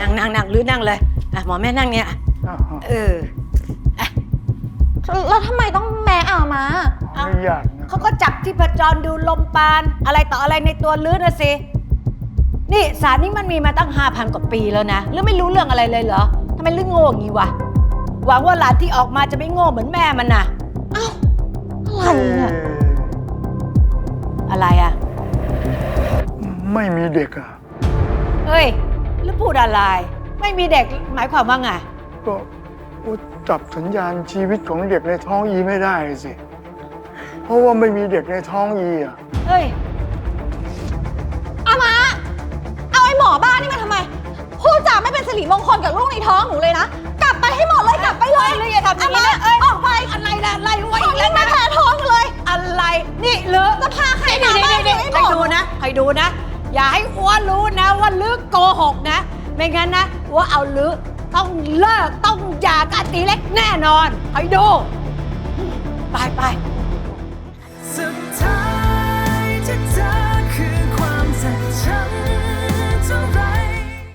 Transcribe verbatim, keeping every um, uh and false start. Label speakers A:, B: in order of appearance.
A: นั่งนั่งนั่งหรือนั่งเลยอ่ะหมอแม่นั่งเนี่ยเออ
B: แล้วทำไมต้องแม่อามา
C: ไม่อยากนะ
A: เขาก็จับที่ประจรดูลมปราณอะไรต่ออะไรในตัวลื้อนะสินี่สารนี้มันมีมาตั้งห้าพันกว่าปีแล้วนะลื้อไม่รู้เรื่องอะไรเลยเหรอทำไมลื้อโง่อย่างนี้วะหวังว่าหลานที่ออกมาจะไม่โง่เหมือนแม่มันน่ะ
B: อ้าวอะไรเนี่ย
A: อะไรอ่ะ
C: ไม่มีเด็กอ่ะ
A: เฮ้ยแล้วพูดอะไรไม่มีเด็กหมายความว่าไง
C: ก็จับสัญญาณชีวิตของเด็กในท้องอีไม่ได้สิเพราะว่าไม่มีเด็กในท้องอีอ่ะ
A: เฮ้ย
B: อามาเอาไอ้หมอบ้านี่มาทำไมพูดจาไม่เป็นสิริมงคลกับลูกในท้องหนูเลยนะกลับไปให้หมดเลยกลับไปเลย
A: เลยอย่าทำอย่างนี้นะ
B: เอ้ยออกไป
A: อะไรนะอะไรวะอีกแล้ว
B: ไม่แพ้ท้องเลย
A: อะไรนี่เลือ
B: จะพาใครมาบ้าน
A: ใครดูนะใครดูนะอย่าให้อ้วนรู้นะว่าลือโกหกนะไม่งั้นนะว่าเอาลือต้องเลิกต้องหย่ากับตีเล็กแน่นอนใครดู